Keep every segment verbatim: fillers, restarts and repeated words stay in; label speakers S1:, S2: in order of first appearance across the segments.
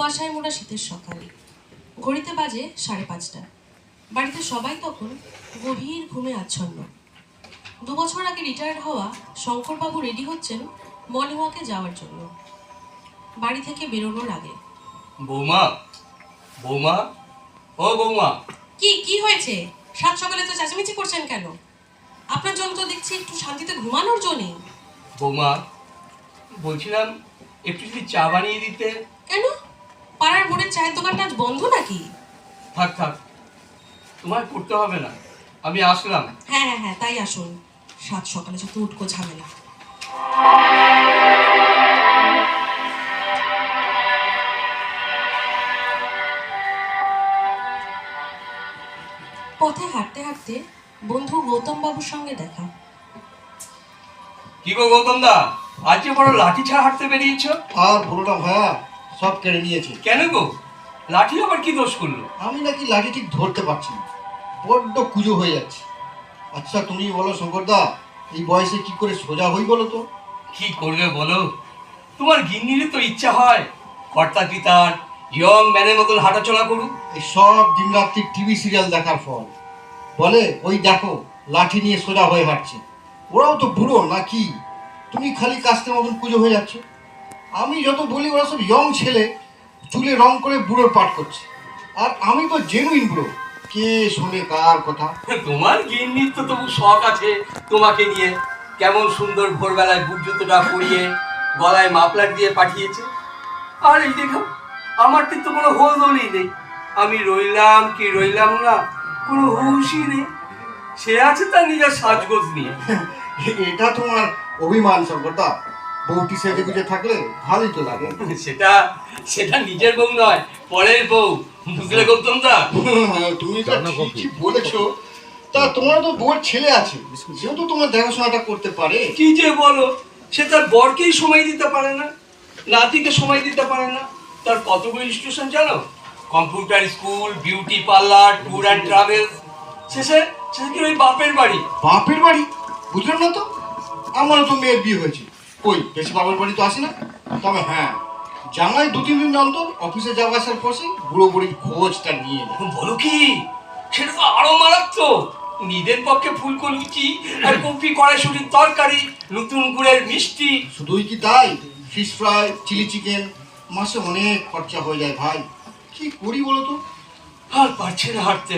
S1: কুয়াশায় মোড়া শীতের সকাল। ঘড়িতে বাজে সাড়ে পাঁচটা। বাড়িতে সবাই তখন গভীর ঘুমে আচ্ছন্ন। দু বছর আগে রিটায়ার্ড হওয়া শঙ্করবাবু রেডি হচ্ছেন মর্নিং ওয়াকে যাওয়ার জন্য। বাড়ি থেকে বেরোনোর আগে,
S2: বৌমা, বৌমা, ও বৌমা।
S1: কি কি হয়েছে? সাত সকালে তো চেঁচামেচি করছেন কেন? আপনার জন্য তো দেখছি একটু শান্তিতে ঘুমানোর জন্য নেই।
S2: বৌমা, বলছিলাম একটু যদি চা বানিয়ে দিতে।
S1: কেন? পাড়ার মোড়ের চায়ের দোকানটা আজ বন্ধ নাকি?
S2: থাক থাক, তোমার করতে হবে না, আমি আসলাম।
S1: হ্যাঁ হ্যাঁ হ্যাঁ, তাই আসুন। সাত সকালে যত উটকো ঝামেলা। পথে হাঁটতে হাঁটতে বন্ধু গৌতম বাবুর সঙ্গে দেখা।
S2: কি গো গৌতম দা, আজ যে বড় লাঠি ছাড়া হাঁটতে বেরিয়েছ?
S3: আর বলো না ভাইয়া, সব কেড়ে নিয়েছে।
S2: কেন গো? লাঠি আবার কি দোষ করলো?
S3: আমি নাকি লাঠি ঠিক ধরতে পারছি না, বড্ড কুজো হয়ে যাচ্ছে। আচ্ছা তুমি বলো শঙ্করদা, এই বয়সে কি করে সোজা হই বলো তো?
S2: কি করবে বলো, তোমার গিন্নিরই তো ইচ্ছা হয় কর্তা পিতার ইয়ং ম্যানের মতন হাঁটাচলা করুক।
S3: এই সব দিন রাত্রি টিভি সিরিয়াল দেখার ফল। বলে ওই দেখো লাঠি নিয়ে সোজা হয়ে হাঁটছে, ওরাও তো বুড়ো নাকি? তুমি খালি কাস্তের মতন কুজো হয়ে যাচ্ছ। আমি যত বলি ওরা সব ইয়ং ছেলে, চুলে রং করে বুড়োর পাঠ করছে, আর আমি তো জেনুইন বুড়ো। কে শোনে কার কথা?
S2: তোমার গিন্নির তো তবু শখ আছে তোমাকে নিয়ে। কেমন সুন্দর ভোরবেলায় বুট জুতোটা পরিয়ে গলায় মাফলার দিয়ে পাঠিয়েছে। আর এই দেখো, আমার তো কোনো হোলদোলই নেই। আমি রইলাম কি রইলাম না, কোনো হুঁশই নেই। সে আছে তার নিজের সাজগোজ নিয়ে।
S3: এটা তোমার অভিমান শঙ্করদা। বউটি সেজে গুজে থাকলে ভালোই তো লাগে।
S2: সেটা সেটা নিজের বউ নয়, পরের বউ, বুঝলে গৌতম দা?
S3: তুমি তো ঠিকই বলেছো। তা তোমার তো বউর ছেলে আছে, সেও তো তোমার দেখাশোনাটা করতে পারে।
S2: কি যে বলো, সে তার বরকেই সময় দিতে পারে না, নাতিকে সময় দিতে পারে না। তার কতগুলো ইনস্টিটিউশন জানো? Computer school, beauty parlour, tour and travel. শেষে শেষে কি ওই বাপের বাড়ি।
S3: বাপের বাড়ি? বুঝলাম না তো। আমারও তো মেয়ের বিয়ে হয়েছে, কই বেশি বাপের বাড়ি তো আসি না। তবে হ্যাঁ, জামাই দু তিন দিন অন্তর অফিসে যাওয়া আসার পরে বুড়ো বুড়ির খোঁজটা নিয়ে নেয়।
S2: বলো কি? সেটা তো আরো মারাত্মক। নিজের পক্ষে ফুলকো লুচি আর কপি কড়াইশুটির তরকারি, নতুন গুড়ের মিষ্টি।
S3: শুধুই কি তাই, ফিশ ফ্রাই, চিলি চিকেন, মাসে অনেক খরচা হয়ে যায় ভাই। কি করি বলো তো?
S2: আর পারছে না হাঁটতে।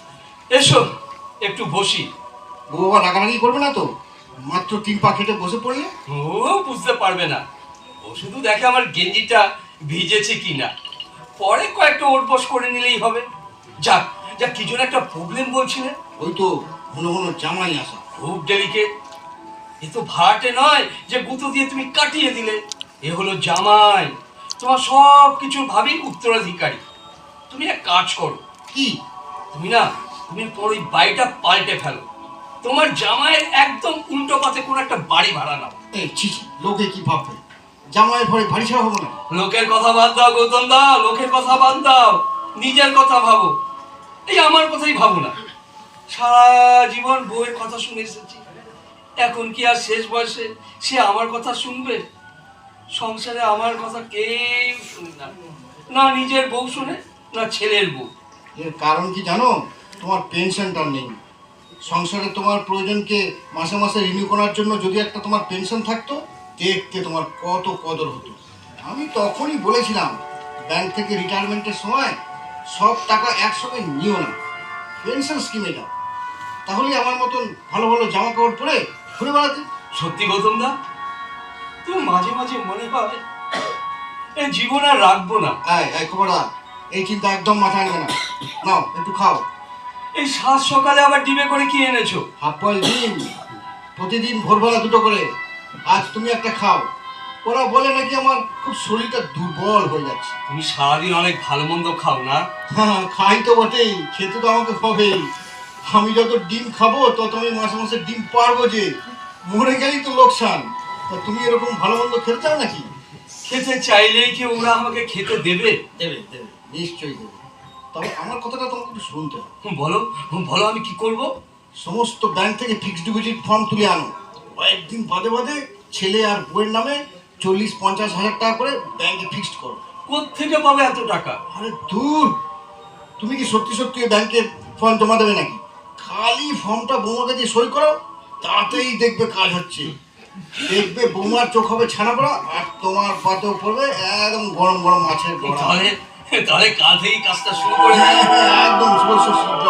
S2: এসো একটু বসি।
S3: ও বাবা রাগারাগি করবে না তো? মাত্র তিন পা খেটে বসে পড়লে।
S2: ও বুঝতে পারবে না, ও শুধু দেখে আমার গেঞ্জিটা ভিজেছে কিনা, পরে কয়েকটা ওটবস করে নিলেই হবে। যাক যাক, কি জন্য একটা প্রবলেম বলছিলেন?
S3: ওই তো ঘন ঘন জামাই আসা।
S2: খুব ডেলিকেট। এ তো ভাড়াটে নয় যে গুঁতো দিয়ে তুমি কাটিয়ে দিলে। এ হলো জামাই, তোমার সব কিছুর ভাবি উত্তরাধিকারী। তুমি এক কাজ করো,
S3: কি?
S2: তুমি না তুমি তোর ওই বাড়িটা পাল্টে ফেলো। তোমার জামাইয়ের একদম উল্টো পথে কোনো একটা বাড়ি ভাড়া নাও।
S3: এই ছি ছি, লোকে কি ভাববে? জামাইয়ের ঘরে ভারী ছাড়া হবো না।
S2: লোকের কথা বাদ দাও গৌতম দা, লোকের কথা বাদ দাও, নিজের কথা ভাবো। এই আমার কথাই ভাবো না। সারা জীবন বউয়ের কথা শুনে এসেছি, এখন কি আর শেষ বয়সে সে আমার কথা শুনবে? সংসারে আমার কথা কেউ শুনে না, না নিজের বউ শুনে, না ছেলের বউ।
S3: এর কারণ কি জানো? তোমার পেনশনটা নেই। সংসারে তোমার প্রয়োজনকে মাসে মাসে রিনিউ করার জন্য যদি একটা তোমার পেনশন থাকতো, দেখতে তোমার কত কদর হতো। আমি তখনই বলেছিলাম, ব্যাংক থেকে রিটায়ারমেন্টের সময় সব টাকা একসঙ্গে নিও না, পেনশন স্কিমে যাও। তাহলে আমার মতন ভালো ভালো জামা কাপড় পরে ঘুরে বেড়াতে।
S2: সত্যি গৌতম দা, তুমি মাঝে মাঝে মনে পাবে এই জীবন আর রাখবো না।
S3: এই এই খবরদার, এই চিন্তা একদম মাথায় নেবে না। নাও একটু খাও।
S2: এই সাত সকালে আবার ডিবে করে কি এনেছো?
S3: হাফ বয়েল ডিম, প্রতিদিন ভোরবেলা দুটো করে। আজ তুমি একটা খাও। ওরা বলে নাকি আমার খুব শরীরটা দুর্বল হয়ে যাচ্ছে।
S2: তুমি সারাদিন অনেক ভালো মন্দ খাও না?
S3: হ্যাঁ খাই তো বটেই, খেতে তো আমাকে হবেই। আমি যত ডিম খাবো তত আমি মাসে মাসে ডিম পারবো যে। মরে গেলেই তো লোকসান। তা তুমি এরকম ভালো মন্দ খেতে চাও নাকি?
S2: খেতে চাইলেই কি ওরা আমাকে খেতে দেবে?
S3: দেবে দেবে, নিশ্চয়ই দেবে। তবে আমার কথাটা তোমাকে একটু শুনতে হবে।
S2: বলো বলো, আমি কি করব?
S3: সমস্ত ব্যাংক থেকে ফিক্সড ডিপোজিট ফর্ম তুলে আনো। কয়েকদিন বাদে বাদে ছেলে আর বউয়ের নামে চল্লিশ পঞ্চাশ হাজার টাকা করে ব্যাংকে ফিক্সড করো।
S2: কোত্থেকে পাবে এত টাকা?
S3: আরে দূর, তুমি কি সত্যি সত্যি ব্যাংকে ফর্ম জমা দেবে নাকি? খালি ফর্মটা বৌমাকে দিয়ে সই করো, তাতেই দেখবে কাজ হচ্ছে। দেখবে বৌমার চোখ হবে ছানা পড়া, আর তোমার পাতেও পড়বে একদম গরম গরম মাছের গড়া।
S2: তাহলে তাহলে কাল থেকেই কাজটা শুরু করে
S3: হ্যাঁ,
S2: দিই।
S3: হ্যাঁ, একদম শুভেচ্ছা সিদ্ধ।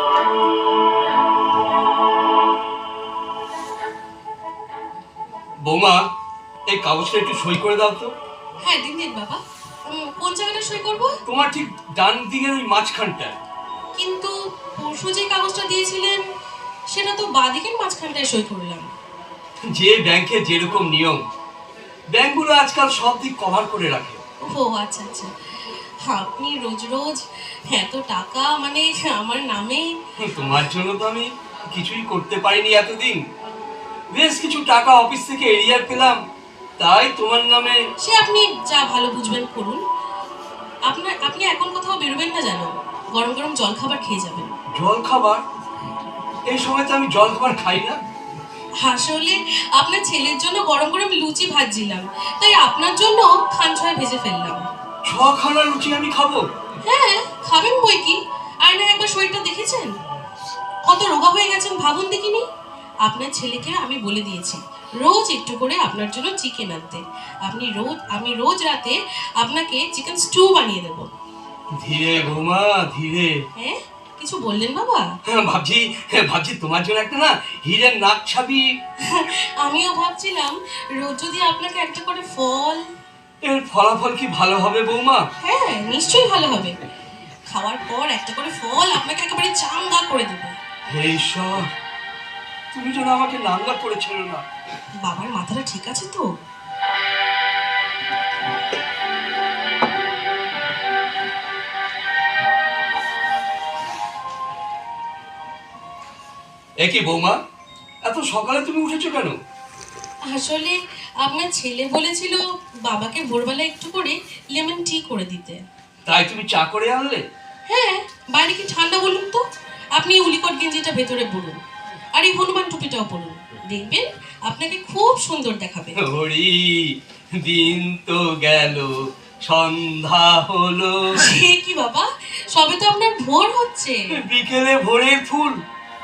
S2: বৌমা, এই কাগজটা একটু সই করে দাও তো।
S1: হ্যাঁ দিন দিন বাবা। উম, কোন জায়গাটা সই করব?
S2: তোমার ঠিক ডান দিকের ওই মাঝখানটা।
S1: কিন্তু পরশু যে কাগজটা দিয়েছিলেন সেটা তো বাদিকের মাঝখানটায় সই করলাম।
S2: যে ব্যাংকে যেরকম নিয়ম, ব্যাংকগুলো আজকাল সব দিক কভার করে রাখে।
S1: ও আচ্ছা আচ্ছা, আপনি রোজ রোজ এত টাকা মানে আমার নামে?
S2: তোমার জন্য তো আমি কিছুই করতে পারিনি এতদিন। বেশ কিছু টাকা অফিস থেকে এরিয়ার পেলাম, তাই তোমার নামে।
S1: সে আপনি যা ভালো বুঝবেন করুন। আপনার আপনি এখন কোথাও বেরোবেন না জানো, গরম গরম জল খাবার খেয়ে যাবেন।
S2: জল খাবার? এই সময় তো আমি জল খাবার খাই না।
S1: আসলে আপনার ছেলের জন্য গরম গরম লুচি ভাজছিলাম, তাই আপনার জন্য খান ছয় ভেজে ফেললাম।
S2: ছখানা লুচি আমি খাবো?
S1: হ্যাঁ খাবেন বই কি। আর না একবার শরীরটা দেখেছেন, কত রোগা হয়ে গেছেন ভাবুন দেখিনি। আপনার ছেলেকে আমি বলে দিয়েছি রোজ একটু করে আপনার জন্য চিকেন আনতে। আপনি রোজ আমি রোজ রাতে আপনাকে চিকেন স্টু বানিয়ে দেবো।
S2: ধীরে বৌমা, ধীরে।
S1: হ্যাঁ কিছু বললেন বাবা?
S2: হ্যাঁ, ভাবছি হ্যাঁ, ভাবছি তোমার জন্য একটা না হীরের নাক ছাবি।
S1: আমিও ভাবছিলাম রোজ যদি আপনাকে একটা করে ফল।
S2: এর ফলাফল কি ভালো হবে বৌমা?
S1: হ্যাঁ নিশ্চয়ই ভালো হবে। খাওয়ার পর একটা করে ফল আপনাকে একেবারে চাঙ্গা করে দেবো।
S2: হে ঈশ্বর, তুমি যেন আমাকে নাঙ্গা করে ছেড়ো না।
S1: বাবার মাথাটা ঠিক আছে তো?
S2: একই বৌমা, এত সকালে তুমি উঠেছো কেন?
S1: আসলে আপনার ছেলে বলেছিল বাবাকে ভোরবেলা একটু করে লেমন টি করে দিতে।
S2: তাই তুমি চা করে আনলে?
S1: হ্যাঁ, বাইরে কি ঠান্ডা বলুন তো। আপনি উলিকট গেঞ্জিটা ভেতরে পরুন, আর এই হনুমান টুপিটাও পরুন, দেখবেন আপনাকে খুব সুন্দর দেখাবে।
S2: হরি, দিন তো গেল, সন্ধ্যা হলো।
S1: সে কি বাবা, সবে তো আপনার ভোর হচ্ছে।
S2: বিকেলে ভোরের ফুল।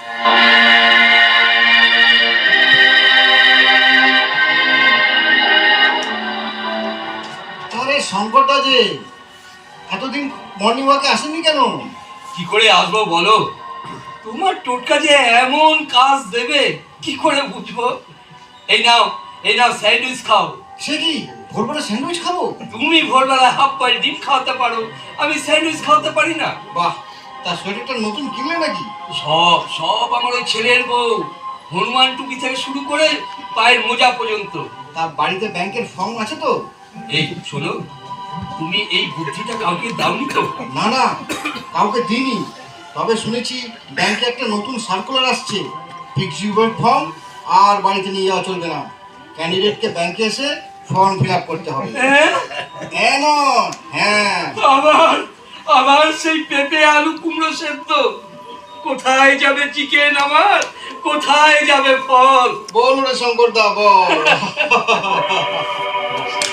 S3: আরে শঙ্করদা যে এতদিন মর্নিং ওয়াকে আসেনি কেন?
S2: কি করে আসবো বলো? তোমার টোটকা যে এমন কাজ দেবে কি করে বুঝবো? এই নাও, এই নাও স্যান্ডউইচ খাও।
S3: সে কি ভোরবেলা স্যান্ডউইচ খাবো?
S2: তুমি ভোরবেলা হাফ বয়েল ডিম খাওয়াতে পারো, আমি স্যান্ডউইচ খাওয়াতে পারি না।
S3: বাহ, তার সোয়েটারটা নতুন কিনলে নাকি?
S2: সব সব আমার ওই ছেলের বউ, হনুমান টুপি থেকে শুরু করে পায়ের মোজা পর্যন্ত।
S3: তা বাড়িতে ব্যাংকের ফর্ম আছে তো?
S2: এই শোনো, তুমি এই বুদ্ধিটা কাউকে দাওনি তো?
S3: না না, কাউকে দিইনি। তবে শুনেছি ব্যাংকে একটা নতুন সার্কুলার আসছে, ফিক্সড ডিপোজিট ফর্ম আর বাড়িতে নিয়ে যাওয়া চলবে না। ক্যান্ডিডেটকে ব্যাংকে এসে ফর্ম ফিল আপ করতে হবে।
S2: হ্যাঁ?
S3: কেন? হ্যাঁ।
S2: আবার আবার সেই পেঁপে আলু কুমড়ো সেদ্ধ। কোথায় যাবে চিকেন আমার, কোথায় যাবে ফল?
S3: বল রে শঙ্করদা, বল।